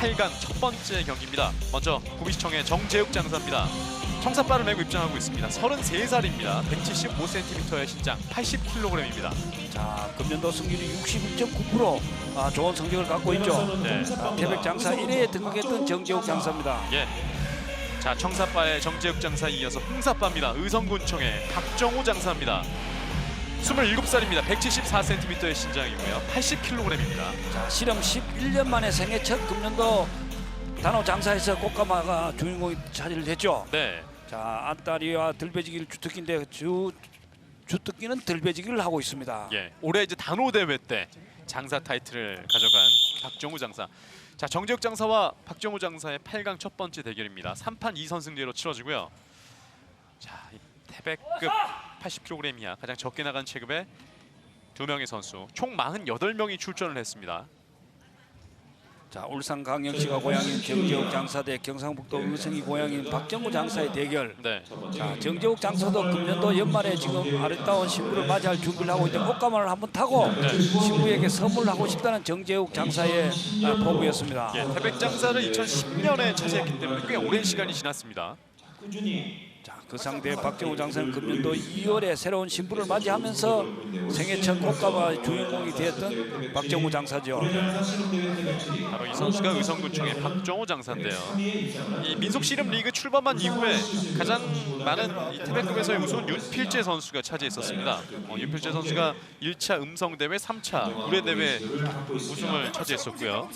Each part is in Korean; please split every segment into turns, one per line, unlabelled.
8강 첫 번째 경기입니다. 먼저 구미시청의 정재욱 장사입니다. 청사발을 메고 입장하고 있습니다. 33살입니다. 175cm의 신장, 80kg입니다.
자, 금년도 승률이 61.9%, 좋은 성적을 갖고 있죠.
네.
태백 장사 1회에 등극했던 정재욱 장사입니다.
예. 자, 청사바의 정재욱 장사에 이어서 홍사바입니다. 의성군청의 박정호 장사입니다. 27살입니다. 174cm의 신장이고요. 80kg입니다.
자, 실험 11년 만에 생애 첫 금년도 단호 장사에서 꽃가마가 주인공이 차지를 했죠.
네.
자, 안다리와 들배지기를 주특기인데 주특기는 들배지기를 하고 있습니다.
예. 올해 이제 단호 대회 때 장사 타이틀을 가져간 박정우 장사. 자, 정재욱 장사와 박정우 장사의 8강 첫 번째 대결입니다. 3판 2선승제로 치러지고요. 자, 이 태백급 80kg 이하 가장 적게 나간 체급의 두 명의 선수, 총 48명이 출전을 했습니다.
자, 울산광역시가 고향인 정재욱 장사 대 경상북도 의성이 고향인 박정우 장사의 대결.
네.
자, 정재욱 장사도 금년도 연말에 지금 아름다운 신부를 맞이할 준비를 하고 있는데 꽃가마를 한번 타고 신부에게 선물을 하고 싶다는 정재욱 장사의 포부였습니다.
예, 태백 장사를 2010년에 차지했기 때문에 꽤 오랜 시간이 지났습니다.
자, 그 상대 박정우 장사는 금년도 2월에 새로운 신부를 맞이하면서 생애 첫 꽃가마 주인공이 되었던 박정우 장사죠.
바로 이 선수가 의성군청의 박정호 장사인데요. 이 민속씨름 리그 출범한 이후에 가장 많은 이 태백급에서의 우승은 윤필재 선수가 차지했었습니다. 윤필재 선수가 1차 음성대회, 3차 구례대회 우승을 차지했었고요.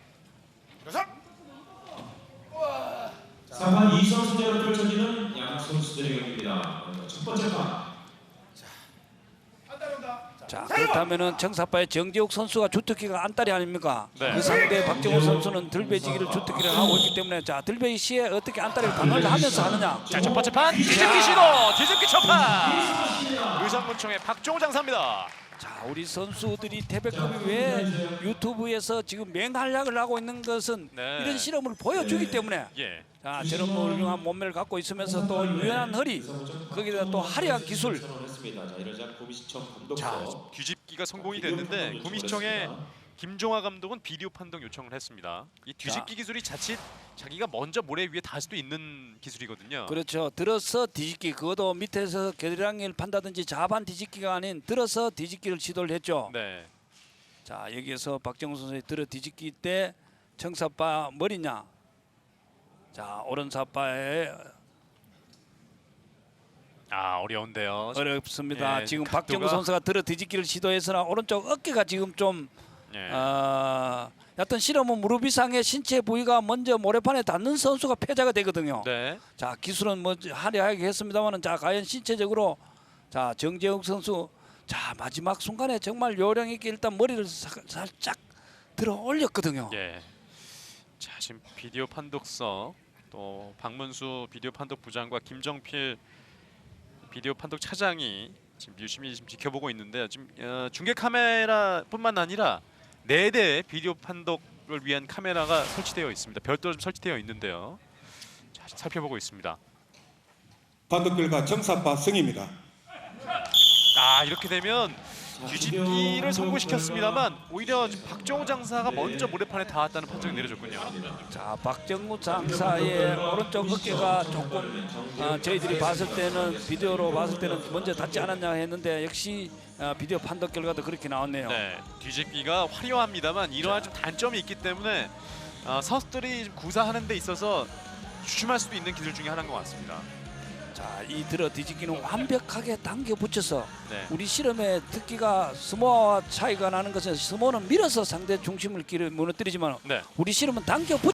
3판 2선수제로 펼쳐지는 양 선수들의 경기입니다. 첫 번째 판.
자, 그렇다면은 청사파의 정재욱 선수가 주특기가 안달이 아닙니까?
네.
그 상대 박정우 선수는 들배지기를 주특기를 하고 있기 때문에 자, 들배기 시에 어떻게 안달을 방어를 하면서 하느냐?
자, 첫 번째 판 뒤집기 시도! 뒤집기 첫판! 의성군청의 박정호 장사입니다.
자, 우리 선수들이 태백급이 왜 유튜브에서 지금 맹활약을 하고 있는 것은
네.
이런 실험을 보여주기 때문에
예.
자, 저런 훌륭한 몸매를 갖고 있으면서 또 유연한 허리, 거기다 또 화려한 기술.
자, 이러자 구미시청
자,
감독서
뒤집기가 성공이 됐는데 구미시청의 김종화 감독은 비디오 판독 요청을 했습니다. 이 뒤집기 기술이 자칫 자기가 먼저 모래 위에 닿을 수도 있는 기술이거든요.
그렇죠. 들어서 뒤집기, 그것도 밑에서 겨드랑이를 판다든지 자반 뒤집기가 아닌 들어서 뒤집기를 시도를 했죠.
네.
자, 여기에서 박정우 선수의 들어 뒤집기 때 청사파 머리냐? 자, 오른사파에
어려운데요.
어렵습니다.
예,
지금
각도가...
박정우 선수가 들어 뒤집기를 시도했으나 오른쪽 어깨가 지금 좀
예.
어떤 실험은 무릎 이상의 신체 부위가 먼저 모래판에 닿는 선수가 패자가 되거든요.
네.
자, 기술은 뭐 화려하게 했습니다만은 자, 과연 신체적으로 자, 정재욱 선수 자, 마지막 순간에 정말 요령 있게 일단 머리를 살짝 들어 올렸거든요.
예. 자, 지금 비디오 판독서 또 박문수 비디오 판독 부장과 김정필 비디오 판독 차장이 지금 유심히 지금 지켜보고 있는데요. 지금 중계 카메라뿐만 아니라 4대의 비디오 판독을 위한 카메라가 설치되어 있습니다. 별도로 좀 설치되어 있는데요. 자, 살펴보고 있습니다.
판독 결과 정사파 승입니다.
이렇게 되면 뒤집기를 성공시켰습니다만 오히려 박정우 장사가 먼저 모래판에 닿았다는 판정이 내려졌군요.
자, 박정우 장사의 오른쪽 어깨가 조금 저희들이 봤을 때는 비디오로 봤을 때는 먼저 닿지 않았냐 했는데 역시 비디오 판독 결과도 그렇게 나왔네요.
네, 뒤집기가 화려합니다만 이러한 좀 단점이 있기 때문에 선수들이 구사하는 데 있어서 주춤할 수도 있는 기술 중에 하나인 것 같습니다.
자, 이 들어 뒤집기는 완벽하게 당겨 붙여서
네.
우리 실험의 특기가 스모와 차이가 나는 것은 스모는 밀어서 상대 중심을 무너뜨리지만
네.
우리 실험은 당겨 붙